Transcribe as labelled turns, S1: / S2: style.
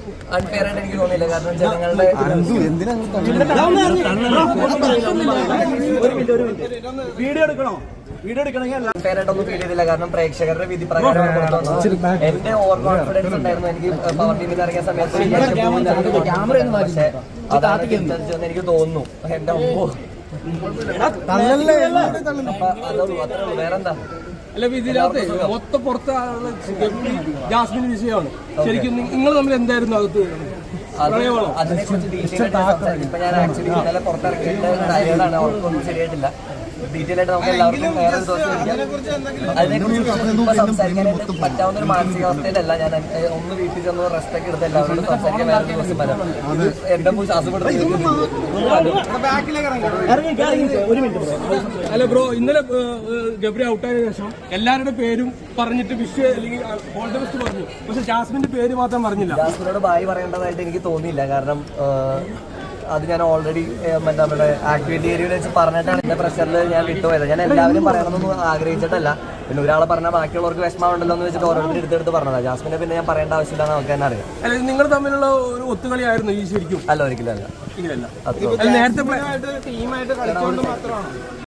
S1: Unfair ആയിട്ട് എനിക്ക് തോന്നിയില്ല. കാരണം ജനങ്ങളുടെ അൺഫെയർ ആയിട്ടൊന്നും ഫീൽ ചെയ്തില്ല. കാരണം പ്രേക്ഷകരുടെ വിധി പ്രകാരം എന്റെ ഓവർ കോൺഫിഡൻസ് ഉണ്ടായിരുന്നു. എനിക്ക് പവർ ടീമിൽ ഇറങ്ങിയ സമയത്ത് പക്ഷെ അതാണ് എനിക്ക് തോന്നുന്നു. എന്റെ ഒമ്പോ അതുള്ളൂ, അത്രേ ഉള്ളൂ, വേറെന്താ.
S2: അല്ല, ഇതിനകത്ത് മൊത്തം പുറത്ത് ജാസ്മിൻ വിഷയമാണ്. ശരിക്കും നിങ്ങൾ തമ്മിൽ എന്തായിരുന്നു അകത്ത്?
S1: അതിനെക്കുറിച്ച് ഡീറ്റെയിൽ ആയിട്ട് ഇപ്പൊ ഞാൻ ആക്ച്വലി ഇന്നലെ പുറത്തിറക്കിയിട്ട് ടയേർഡാണ്, അവർക്കൊന്നും ശരിയായിട്ടില്ല. ഡീറ്റെയിൽ ആയിട്ട് നമുക്ക് എല്ലാവർക്കും വേറെ ഒരു ദിവസം അതിനെക്കുറിച്ച് ഇപ്പൊ സംസാരിക്കാനായിട്ട് പറ്റാവുന്ന ഒരു മാനസികാവസ്ഥയിലല്ല ഞാൻ. ഒന്ന് വീട്ടിൽ ചെന്ന് റെസ്റ്റ് ഒക്കെ എടുത്ത് എല്ലാവരോടും സംസാരിക്കാൻ വേറെ ദിവസം വരാം. എന്റെ ശ്വാസപ്പെടുത്തി.
S2: അല്ല ബ്രോ, ഇന്നലെ ഗബ്രി ഔട്ടായതിനു ശേഷം എല്ലാവരുടെ പേരും പറഞ്ഞിട്ട് വിഷ് അല്ലെങ്കിൽ ഓൾ ദി ബെസ്റ്റ് പറഞ്ഞു. പക്ഷെ ജാസ്മിന്റെ പേര് മാത്രം പറഞ്ഞില്ല.
S1: ജാസ്മിനോട് ബായ് പറയേണ്ടതായിട്ട് എനിക്ക് തോന്നിയില്ല. കാരണം അത് ഞാൻ ഓൾറെഡി നമ്മുടെ ആക്ടിവിറ്റി ഏരിയയിൽ വെച്ച് പറഞ്ഞിട്ടാണ് എന്റെ പ്രഷറിൽ ഞാൻ വിട്ടുപോയത്. ഞാൻ എല്ലാവരും പറയണമെന്നൊന്നും ആഗ്രഹിച്ചിട്ടല്ല. പിന്നെ ഒരാളെ പറഞ്ഞാൽ ബാക്കിയുള്ളവർക്ക് വിഷമമുണ്ടല്ലോ എന്ന് വെച്ചിട്ട് ഓരോരുത്തർ എടുത്തെടുത്ത് പറഞ്ഞതാണ്. ജാസ്മിനെ പിന്നെ ഞാൻ പറയേണ്ട ആവശ്യമില്ല, നമുക്ക് തന്നെ അറിയാം.
S2: അല്ല, നിങ്ങൾ തമ്മിലുള്ള ഒരു ഒത്തുകളിയായിരുന്നു ഈ ശരിക്കും?
S1: അല്ല, ഒരിക്കലും അല്ല.
S2: നേരത്തെ